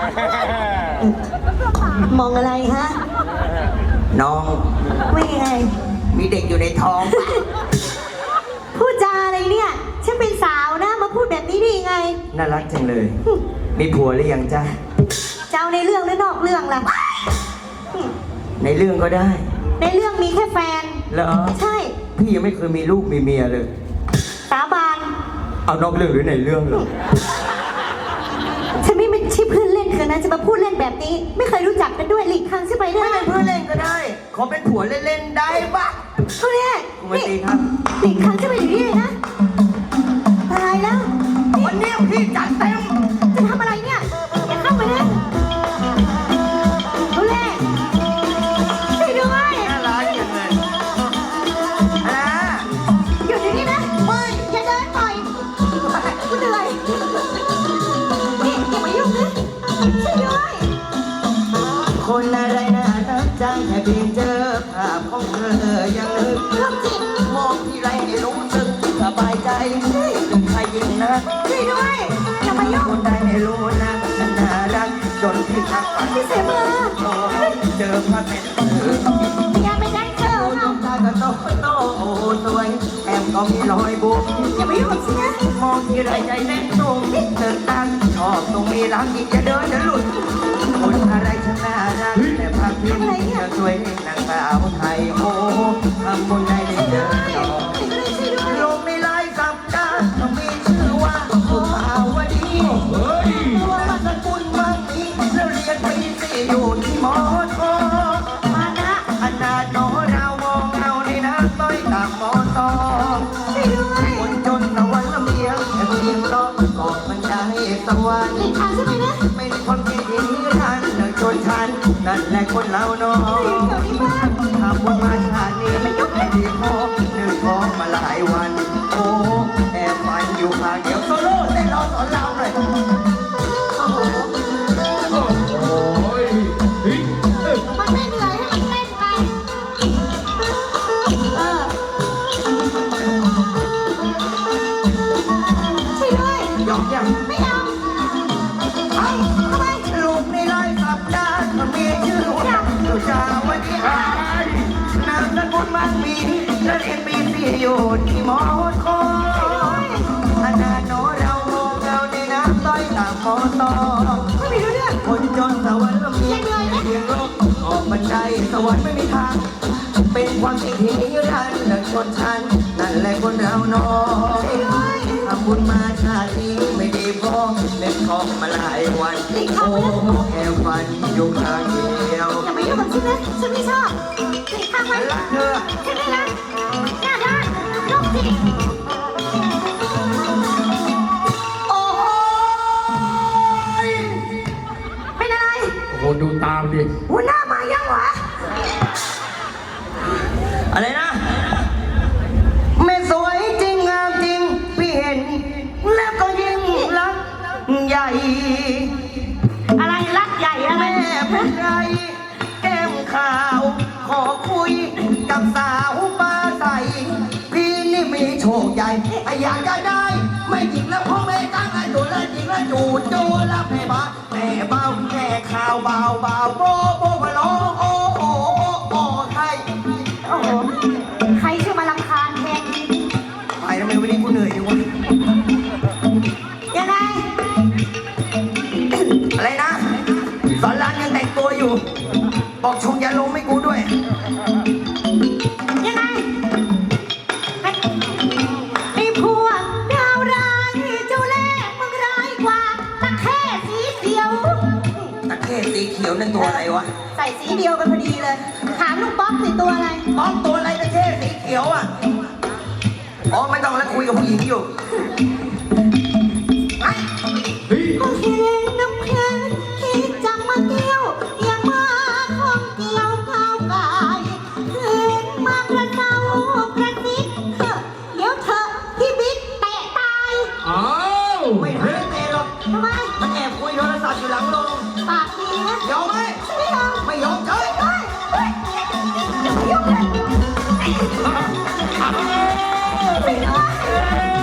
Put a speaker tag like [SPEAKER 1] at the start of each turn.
[SPEAKER 1] มองอะไรฮะ
[SPEAKER 2] น้อง
[SPEAKER 1] ไม่ยังไง
[SPEAKER 2] มีเด็กอยู่ในท้อง
[SPEAKER 1] พูดจาอะไรเนี่ยฉันเป็นสาวนะมาพูดแบบนี้ได้ยังไง
[SPEAKER 2] น่ารักจังเลยมีผัวหรือยังจ้า
[SPEAKER 1] เจ้าในเรื่องหรือนอกเรื่องล่ะ
[SPEAKER 2] ในเรื่องก็ได้
[SPEAKER 1] ในเรื่องมีแค่แฟน
[SPEAKER 2] เหรอ
[SPEAKER 1] ใช่
[SPEAKER 2] พี่ยังไม่เคยมีลูกมีเมียเลย
[SPEAKER 1] สาบาน
[SPEAKER 2] เอานอกเรื่องหรือในเรื่องเลย
[SPEAKER 1] ฉันไม่ใช่เพื่อนเล่นเธอนะจะมาพูดเล่นแบบนี้ไม่เคยรู้จักกันด้วยหลีกทางใช่ไหมได้
[SPEAKER 2] ไม่เป็นเพื่อนเล่นก็ได้ขอเป็นผัวเล่นๆได้ปะ
[SPEAKER 1] เขาเรียก
[SPEAKER 2] คุณมาตีครับ
[SPEAKER 1] หลีกทางใช่ไหมอยู่นี่เลยนะตายแล้ว
[SPEAKER 2] วันนี้พี่จัดเต็ม
[SPEAKER 1] จะทำอะไรเนี่ยอย่าเข้าไปนะเขาเรียกช่วยด้วย
[SPEAKER 2] น่ารักจังเลย
[SPEAKER 1] หยุดอย่างนี้นะไม่อย่าเดินปล่อยกูเหนื่อยนี่อย่ามายุ่งนะช่วยด้วย
[SPEAKER 2] คนอะไรน่ารักจังแค่เพียงเจอภาพของเธอยังนึกมองที่ไรให้รู้สึกสบายใจถึงใครยิ่งนะ
[SPEAKER 1] ช่วยด้วยอย่ามายุ่ง
[SPEAKER 2] คนใดไม่รู้นะฉันน่ารักจนที่ทักฝัน
[SPEAKER 1] ที่เสียเบอร์
[SPEAKER 2] เจอพระเป็น
[SPEAKER 1] อย่าไปได้เจอ
[SPEAKER 2] น้ำตาก็โตโตโอ้สวยแอมก็มีรอยบุก
[SPEAKER 1] อย่าไปยุ่งกับฉันนะ
[SPEAKER 2] มองที่ไรใจเต้นสูงเดินตั้งชอบตรงมีรักยิ่งจะเดินจะหลุดคนอะไรฉันน่ารักแต่ภาพที่จะช่วยให้นางสาวไทยโอ้ทำคนใดได้เจอต่อโลกในหลายสัปดาห์ต้องมีชื่อว่าสุภาวดีนามสกุลมั่งมีแล้วเรียนปีสี่อยู่ที่มอทอ
[SPEAKER 1] มานะ
[SPEAKER 2] ขนาดน้อเรามองเราในน้ำต้อยตามมอทอคนจนตะวันละเมียงแต่เพียงร้องกอบมันได้สวรรค์เป็นคนที่ดีทันเดินชนชั้นนั่นแหละคนเราน้องทำบุญมาชาตินี้ไม่ดีพอหนึ่งท้องมาหลายวันโอ้แอบฝันอยู่ข้างเดียวโซโล่เต้นรอสอนเราหน่อย
[SPEAKER 1] มันไม่เหนื่อยให้มันเล่นไปช่วยด้วย
[SPEAKER 2] ยอมยัง
[SPEAKER 1] ไม่ยอมทำไม
[SPEAKER 2] ลูกในร้อยสัปดาห์ก็มีชื่อว่าสุชาวดีนามสกุลมั่งมีและเรียนปีสี่อยู่ที่มอทอขนาดน้อเรามองเราในน้ำต้อยตามมอทอ
[SPEAKER 1] ไม่มีรู้เรื่อง
[SPEAKER 2] คนจนสวรรค์ละเมียเพียงโลกออกบันไดสวรรค์ไม่มีทางเป็นความจริงที่นิรันดร์เลิกชนชั้นนั่นแหละคนเราน้องทำบุญมาชาตินี้ไม่ดีพอเล่นของมาหลายวันโอ้แค่ฝันอยู่ข้างเดียว
[SPEAKER 1] อย่ามายุ่งกับฉันนะฉันไม่ชอบติดข้างไว้
[SPEAKER 2] รักเธอ
[SPEAKER 1] ฉันไม่รักหน้าด้านโรคจิต
[SPEAKER 2] โอ้ย
[SPEAKER 1] เป็นอะไร
[SPEAKER 3] โอ้โหดูตามดิ
[SPEAKER 1] หัวหน้ามายังวะ
[SPEAKER 2] อะไรนะไม่สวยจริงงามจริงพี่เห็นแล้วก็ยิ่งรักใหญ่
[SPEAKER 1] อะไรรักใหญ่อะไร
[SPEAKER 2] แม่เป็นไรแก้มขาวขอคุยกับสาวปลาใสพี่นี่มีโชคใหญ่อยากจะได้ไม่จริงแล้วพ่อแม่ตั้งไอ้ตัวแล้วจริงแล้วจูแล้วแม่บ้าแม่เบาแม่ข่าวเบาโบพะโลโอ้ใคร
[SPEAKER 1] โอ้โหใครชื่อมารำคาญแทน
[SPEAKER 2] ไปทำไมวันนี้กูเหนื่อยจังวะ
[SPEAKER 1] ยังไง
[SPEAKER 2] อะไรนะสอนรามยังแต่งตัวอยู่บอกชงยาลมให้กูด้วย
[SPEAKER 1] ยังไงไอ้พวกดาวร้ายเจ้าเล่ห์มึงร้ายกว่าตะเข้สีเขียว
[SPEAKER 2] ตะเข้สีเขียวนั่นตัวอะไรวะ
[SPEAKER 1] ใส่สีเดียวกันพอดีเลยถามลูกป๊อกสิตัวอะไร
[SPEAKER 2] ป๊อกตัวอะไรตะเข้สีเขียวอ่ะอ๋อไม่ต้องแล้วคุยกับผู้หญิงอยู่
[SPEAKER 1] โอเคน้ำเพลินที่จะมาเกี่ยวอย่ามาของเกี่ยวข้าวกายคืนมากระเจ้ากระซิบเดี๋ยวเธอพี่บิ๊กเตะตาย
[SPEAKER 3] อ้าว
[SPEAKER 2] ไม่หายเตะหรอก
[SPEAKER 1] ทำไม
[SPEAKER 2] มันแอบคุยโทรศัพท์อยู่หลังโรง
[SPEAKER 1] ปากดีนะ
[SPEAKER 2] ยอมไหมไม่ยอมเฉย
[SPEAKER 1] อย่ายุ่งเลย